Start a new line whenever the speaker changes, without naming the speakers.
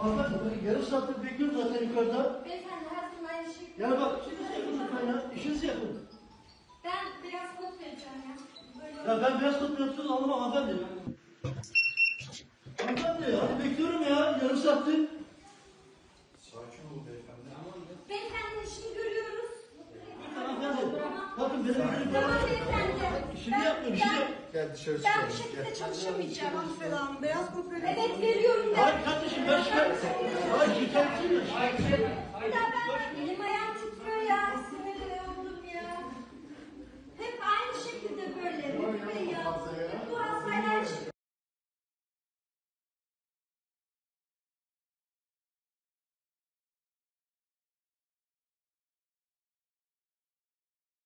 Hanımefendi, yarım saattir bekliyorum zaten yukarıda.
Beyefendi her zaman aynı şey.
Yani bak, işinizi yapın lütfen ya. İşinizi yapın.
Ben beyaz kod vereceğim ya. Böyle
Ya ben beyaz kod yapıyorsunuz anlamam hanımefendi. Hanımefendi, hadi bekliyorum ya. Yarım saattir.
Sakin olun beyefendi.
Beyefendi işini görüyoruz.
Lütfen hanımefendi. Bakın benim işim
Tamam
var.
beyefendi.
İşini yapmıyorum, işini yap.
Gel dışarı
Ben
çıkalım.
bu şekilde çalışamayacağım Hanımefendi Hanım. Beyaz kod
Evet veriyorum ben.
Hayır kardeşim ben şikayet... Hayır şikayetçiyim ben.